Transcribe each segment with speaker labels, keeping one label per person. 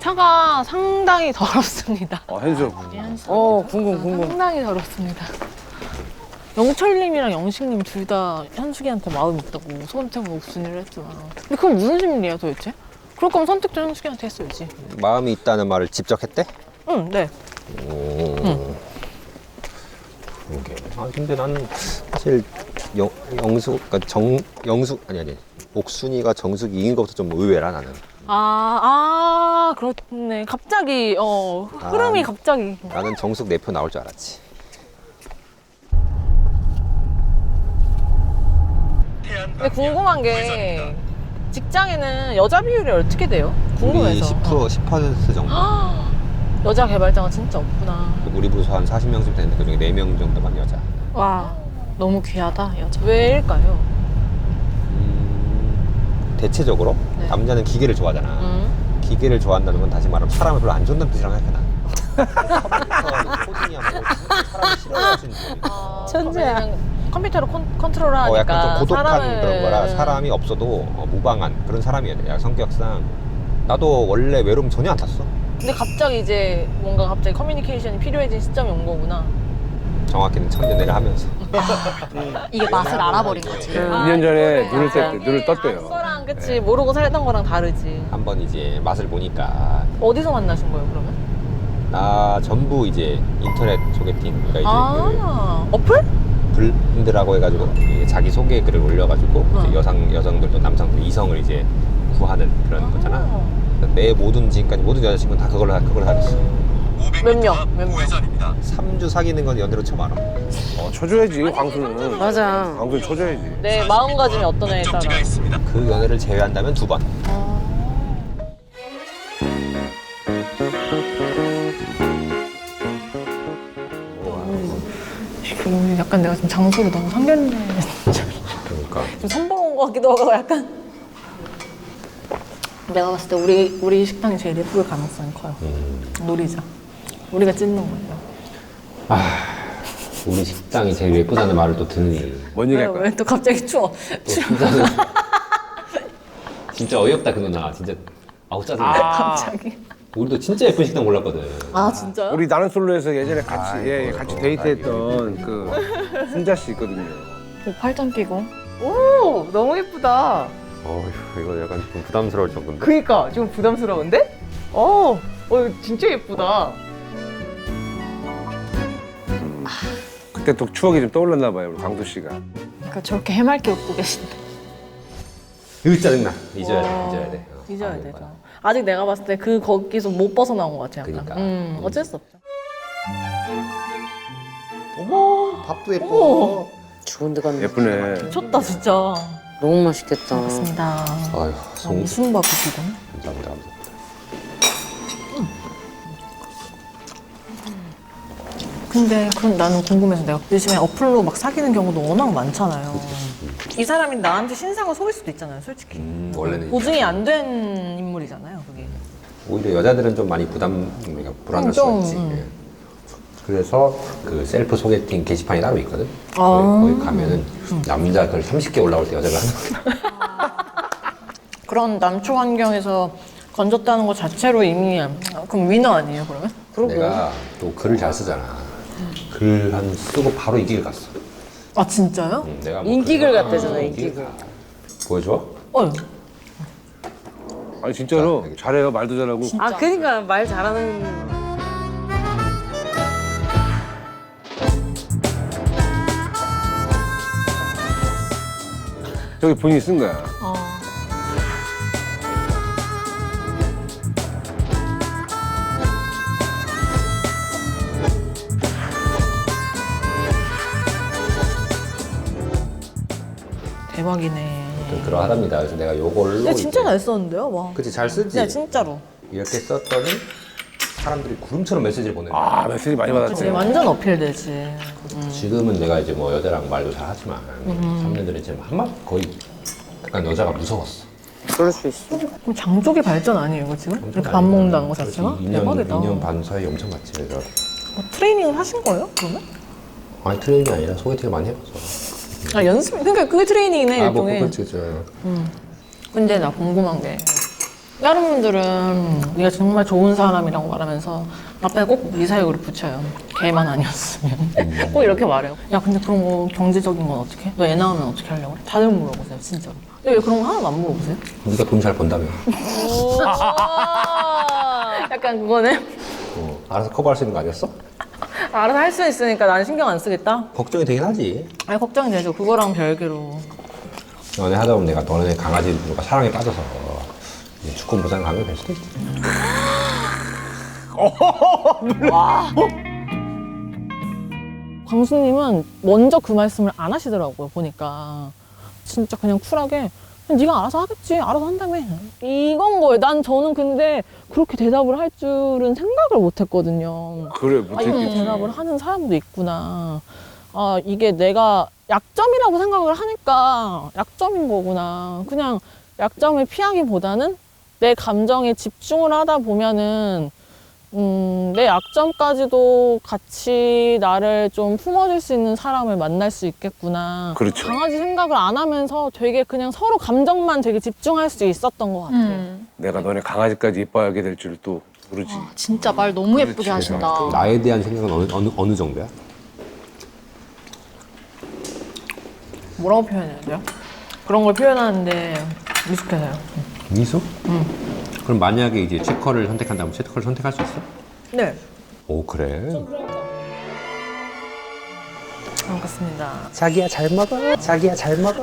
Speaker 1: 차가 상당히 더럽습니다.
Speaker 2: 현수.
Speaker 3: 궁금.
Speaker 1: 상당히 더럽습니다. 영철님이랑 영식님 둘 다 현숙이한테 마음이 있다고 선택은 옥순이를 했지만 근데 그건 무슨 심리야 도대체? 그럴 거면 선택도 현숙이한테 했어야지.
Speaker 4: 마음이 있다는 말을 직접 했대?
Speaker 1: 응, 네.
Speaker 4: 그러게. 아 근데 나는 사실 영숙, 그러니까 영숙 아니 옥순이가 정숙이 이긴 것부터 좀 의외라 나는.
Speaker 1: 그렇네. 갑자기 흐름이 갑자기.
Speaker 4: 나는 정숙 내 표 나올 줄 알았지.
Speaker 1: 근데 궁금한 게 직장에는 여자 비율이 어떻게 돼요?
Speaker 4: 우리
Speaker 1: 궁금해서.
Speaker 4: 10% 정도.
Speaker 1: 여자 개발자가 진짜 없구나.
Speaker 4: 우리 부서 한 40명쯤 되는데 그중에 4명 정도만 여자.
Speaker 1: 와, 너무 귀하다 여자. 왜일까요?
Speaker 4: 대체적으로
Speaker 1: 네.
Speaker 4: 남자는 기계를 좋아하잖아. 기계를 좋아한다는 건 다시 말하면 사람을 별로 안 좋아한다는 뜻이라고 생각해 나. 코딩이야 뭐 사람을 싫어하시는 분이.
Speaker 1: 천재야. 컴퓨터로 컨트롤하니까
Speaker 4: 약간 좀 고독한
Speaker 1: 사람을...
Speaker 4: 그런 거라 사람이 없어도 무방한 그런 사람이어야 돼. 성격상 나도 원래 외로움 전혀 안 탔어.
Speaker 1: 근데 갑자기 이제 뭔가 갑자기 커뮤니케이션이 필요해진 시점이 온 거구나.
Speaker 4: 정확히는 청년회를 하면서.
Speaker 5: 이게 맛을 알아버린 거지.
Speaker 2: 2년 전에 눈을 떴대요.
Speaker 1: 그거랑 그치 모르고 살던 거랑 다르지.
Speaker 4: 한번 이제 맛을 보니까
Speaker 1: 어디서 만나신 거예요 그러면?
Speaker 4: 나 전부 이제 인터넷 소개팅 그러니까 이제
Speaker 1: 어플?
Speaker 4: 블린드라고 해가지고 자기 소개 글을 올려가지고 이제 여성들도 남성들 이성을 이제 구하는 그런 거잖아. 내 지금까지 모든 여자친구는 다 그걸로 사귀었어.
Speaker 1: 몇 명?
Speaker 4: 3주 사귀는 건 연애로 처음 알아.
Speaker 2: 쳐줘야지 광수는.
Speaker 3: 맞아.
Speaker 2: 광수는 쳐줘야지.
Speaker 1: 내 마음가짐이 어떤 애에 따라.
Speaker 4: 그 연애를 제외한다면 2번.
Speaker 1: 약간 내가 지금 장소를 너무 상견례
Speaker 4: 그러니까
Speaker 1: 좀 선보러 온 것 같기도 하고 약간 내가 봤을 때 우리 식당이 제일 예쁠 가능성이 커요. 노리자. 우리가 찢는 거예요.
Speaker 4: 우리 식당이 제일 예쁘다는 말을 또 듣니.
Speaker 2: 뭔 얘기 할 거야?
Speaker 1: 왜 또 갑자기 추워?
Speaker 4: 진짜 어이없다 그 누나. 진짜 아우 짜증나.
Speaker 1: 갑자기.
Speaker 4: 우리도 진짜 예쁜 식당 골랐거든.
Speaker 1: 진짜요?
Speaker 2: 우리 나는 솔로에서 예전에 같이 데이트했던 그 순자 씨 있거든요.
Speaker 1: 팔짱 끼고.
Speaker 3: 오, 너무 예쁘다.
Speaker 4: 이거 약간 좀 부담스러울 정도인데.
Speaker 3: 그니까 좀 부담스러운데? 진짜 예쁘다.
Speaker 2: 그때 또 추억이 좀 떠올랐나 봐요, 우리 광수 씨가.
Speaker 1: 그러니까 저렇게 해맑게 웃고 계신데.
Speaker 4: 으 짜증나. 잊어야 돼.
Speaker 1: 잊어야 되죠. 아직 내가 봤을 때 거기서 못 벗어나온 것 같아요. 약간.
Speaker 4: 그러니까.
Speaker 1: 어쩔 수 없죠.
Speaker 4: 어머 밥도 예뻐.
Speaker 3: 좋은 데 갔는데.
Speaker 2: 예쁘네.
Speaker 1: 미쳤다 진짜.
Speaker 3: 너무 맛있겠다.
Speaker 1: 맞습니다.
Speaker 4: 아유
Speaker 1: 무슨 밥이시군?
Speaker 4: 감사합니다.
Speaker 1: 근데 그럼 나는 궁금해서 내가 요즘에 어플로 막 사귀는 경우도 워낙 많잖아요. 이 사람이 나한테 신상을 속일 수도 있잖아요, 솔직히.
Speaker 4: 원래는
Speaker 1: 보증이 안 된 인물이잖아요, 그게.
Speaker 4: 오히려 여자들은 좀 많이 그러니까 불안할 수가 있지. 예. 그래서 그 셀프 소개팅 게시판이 따로 있거든. 거기 가면은 남자 글 30개 올라올 때 여자가
Speaker 1: 그런 남초 환경에서 건졌다는 것 자체로 이미 그럼 위너 아니에요, 그러면?
Speaker 4: 내가 또 글을 잘 쓰잖아. 글 한 쓰고 바로 이 길 갔어.
Speaker 1: 진짜요?
Speaker 4: 내가 뭐
Speaker 3: 인기글
Speaker 4: 글을-
Speaker 3: 같대잖아, 인기글.
Speaker 4: 보여줘?
Speaker 2: 아니 진짜로 잘해요, 말도 잘하고.
Speaker 3: 그니까 말 잘하는.
Speaker 2: 저기 본인이 쓴 거야.
Speaker 1: 대박이네.
Speaker 4: 그러하답니다. 그래서 내가 요걸로.
Speaker 1: 근데 진짜
Speaker 4: 이제-
Speaker 1: 잘 썼는데요, 와.
Speaker 4: 그치 잘 쓰지.
Speaker 1: 네, 진짜로.
Speaker 4: 이렇게 썼더니 사람들이 구름처럼 메시지를 보내는 거야.
Speaker 2: 아 메시지 많이
Speaker 1: 그치,
Speaker 2: 받았지.
Speaker 1: 완전 어필되지.
Speaker 4: 지금은 내가 이제 뭐 여자랑 말도 잘 하지만 3년들은 지금 거의 약간 여자가 무서웠어.
Speaker 3: 그럴 수 있어.
Speaker 1: 그럼 장족의 발전 아니에요, 이거 지금? 이렇게 밥 먹는다는 거 자체가?
Speaker 4: 2년 반 사이 엄청 갔지. 그래서
Speaker 1: 트레이닝을 하신 거예요, 그러면?
Speaker 4: 아니 트레이닝이 아니라 소개팅을 많이 해봤어.
Speaker 1: 연습? 그러니까 그게 트레이닝이네, 일종의.
Speaker 4: 그렇지.
Speaker 1: 근데 나 궁금한 게 다른 분들은 네가 정말 좋은 사람이라고 말하면서 앞에 꼭 미사역으로 붙여요. 걔만 아니었으면. 꼭 이렇게 말해요. 야, 근데 그런 거 경제적인 건 어떻게 해? 너 애 낳으면 어떻게 하려고 그래? 다들 물어보세요, 진짜로. 근데 왜 그런 거 하나도 안 물어보세요?
Speaker 4: 네가 돈 잘 번다며.
Speaker 1: 약간 그거는
Speaker 4: 알아서 커버할 수 있는 거 아니었어?
Speaker 1: 알아서 할 수 있으니까 난 신경 안 쓰겠다?
Speaker 4: 걱정이 되긴 하지.
Speaker 1: 아니, 걱정이 되죠. 그거랑 별개로.
Speaker 4: 연애 하다 보면 내가 너네 강아지가 사랑에 빠져서 이제 주권부상 가게 될 수도 있지.
Speaker 1: 광수님은 먼저 그 말씀을 안 하시더라고요, 보니까. 진짜 그냥 쿨하게 그냥 네가 알아서 하겠지, 알아서 한다며, 이건 거예요. 저는 근데 그렇게 대답을 할 줄은 생각을 못 했거든요.
Speaker 2: 그래,
Speaker 1: 아, 이렇게 대답을 하는 사람도 있구나. 아, 이게 내가 약점이라고 생각을 하니까 약점인 거구나. 그냥 약점을 피하기보다는 내 감정에 집중을 하다 보면은 내 약점까지도 같이 나를 좀 품어줄 수 있는 사람을 만날 수 있겠구나.
Speaker 2: 그렇죠.
Speaker 1: 강아지 생각을 안 하면서 되게 그냥 서로 감정만 되게 집중할 수 있었던 것 같아요.
Speaker 2: 내가 너네 강아지까지 이뻐하게 될 줄 또 모르지.
Speaker 5: 진짜 말 너무 예쁘게 하신다.
Speaker 4: 나에 대한 생각은 어느 정도야?
Speaker 1: 뭐라고 표현해야 돼요? 그런 걸 표현하는데 미숙해서요.
Speaker 4: 미수? 그럼 만약에 이제 체커를 선택한다면 체커를 선택할 수 있어?
Speaker 1: 네.
Speaker 4: 오, 그래?
Speaker 1: 반갑습니다.
Speaker 2: 자기야 잘 먹어. 자기야 잘 먹어.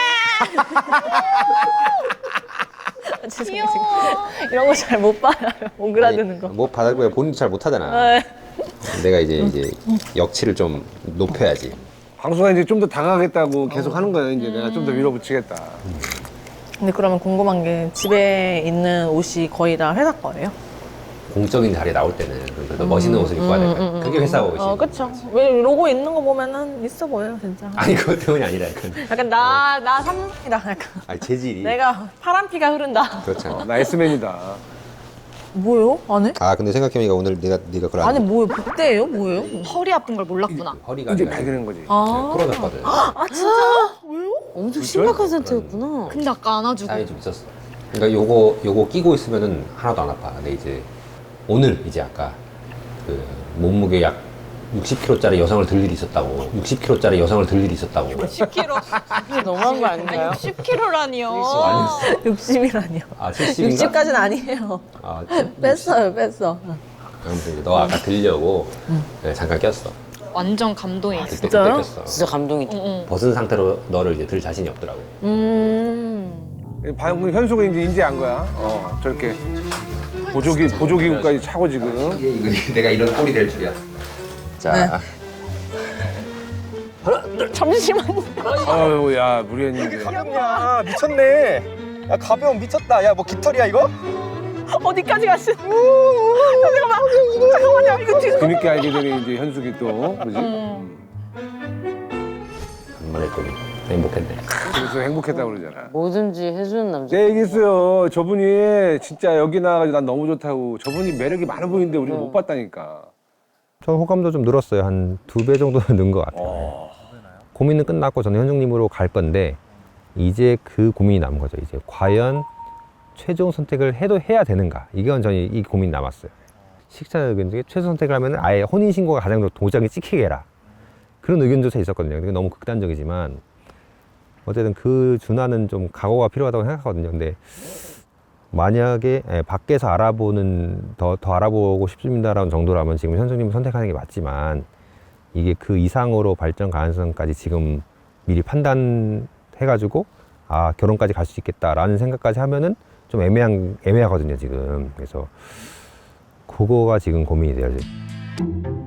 Speaker 1: 죄송해요. 이런 거 잘 못 받아요. 오그라드는 거.
Speaker 4: 뭐 받아보야 본인도 잘 못하잖아.
Speaker 1: 네.
Speaker 4: 내가 이제 역치를 좀 높여야지.
Speaker 2: 광수가 이제 좀 더 당하겠다고 계속 하는 거야. 이제 내가 좀 더 밀어붙이겠다.
Speaker 1: 근데 그러면 궁금한 게 집에 있는 옷이 거의 다 회사 거예요?
Speaker 4: 공적인 자리에 나올 때는 그래도 멋있는 옷을 입고 와야 될까? 그게 회사 옷이.
Speaker 1: 그쵸. 왜 로고 있는 거 보면은 있어 보여요, 진짜.
Speaker 4: 아니 그것 때문이 아니라 약간.
Speaker 1: 약간 나 삼성이다. 약간.
Speaker 4: 아니 재질이.
Speaker 1: 내가 파란 피가 흐른다.
Speaker 4: 그렇잖아.
Speaker 2: 나 S맨이다.
Speaker 1: 뭐예요? 안에?
Speaker 4: 아 근데 생각해보니까 오늘 네가 그걸
Speaker 1: 안에 뭐예요? 복대예요? 뭐예요?
Speaker 5: 허리 아픈 걸 몰랐구나.
Speaker 4: 허리가
Speaker 2: 이제
Speaker 4: 아니라
Speaker 2: 발견한 거지.
Speaker 4: 부러졌거든.
Speaker 3: 엄청 심각한 상태였구나.
Speaker 5: 근데 아까 안아주고.
Speaker 4: 사이 좀 있었어. 그러니까 요거 끼고 있으면은 하나도 안 아파. 근데 이제 오늘 이제 아까 그 몸무게 약 60kg짜리 여성을 들 일이 있었다고. 60kg짜리 여성을 들 일이 있었다고.
Speaker 5: 10kg.
Speaker 3: 이게 너무한 거 아닌가요?
Speaker 5: 10kg라니요.
Speaker 1: 60이라니요.
Speaker 4: 아 70인가?
Speaker 1: 60까지는 아니에요.
Speaker 4: 아,
Speaker 1: 뺐어요, 뺐어.
Speaker 4: 아무튼 이제 너 아까 들려고 네, 잠깐 꼈어.
Speaker 5: 완전 감동이 있어.
Speaker 4: 그때
Speaker 1: 진짜요?
Speaker 4: 꼈어.
Speaker 3: 진짜 감동이다.
Speaker 4: 벗은 상태로 너를 이제 들 자신이 없더라고.
Speaker 2: 방금 현수가 이제 인지한 거야. 저렇게 보조기구까지 차고 지금.
Speaker 4: 이게 내가 이런 꼴이 될 줄이야. 자,
Speaker 1: 잠시만요.
Speaker 2: 아유, 야, 무리했는데.
Speaker 6: 가볍냐 미쳤네. 야 가벼움 미쳤다. 야 뭐 깃털이야 이거?
Speaker 1: 어디까지 가시는? 잠깐만요. 이거 뒤.
Speaker 2: 뒤늦게 알게 되는 이제 현숙이 또, 그지?
Speaker 4: 간만에 또 행복했네.
Speaker 2: 그래서 행복했다고 그러잖아.
Speaker 3: 뭐든지 해주는 남자.
Speaker 2: 내 얘기했어요. 저분이 진짜 여기 나와가지고 난 너무 좋다고. 저분이 매력이 많아 보이는데 우리가 못 봤다니까.
Speaker 7: 전 호감도 좀 늘었어요. 한 2배 정도는 는 것 같아요. 고민은 끝났고 저는 현숙님으로 갈 건데 이제 그 고민이 남은 거죠. 이제 과연 최종 선택을 해야 되는가? 이건 저는 이 고민이 남았어요. 식사 의견 중에 최종 선택을 하면 아예 혼인신고가 가장 도장이 찍히게 해라. 그런 의견조차 있었거든요. 그게 너무 극단적이지만 어쨌든 그 준하는 좀 각오가 필요하다고 생각하거든요. 근데 만약에 밖에서 알아보는 더 알아보고 싶습니다라는 정도라면 지금 현숙님을 선택하는 게 맞지만 이게 그 이상으로 발전 가능성까지 지금 미리 판단해가지고 아 결혼까지 갈 수 있겠다라는 생각까지 하면은 좀 애매하거든요 지금. 그래서 그거가 지금 고민이 돼요. 지금.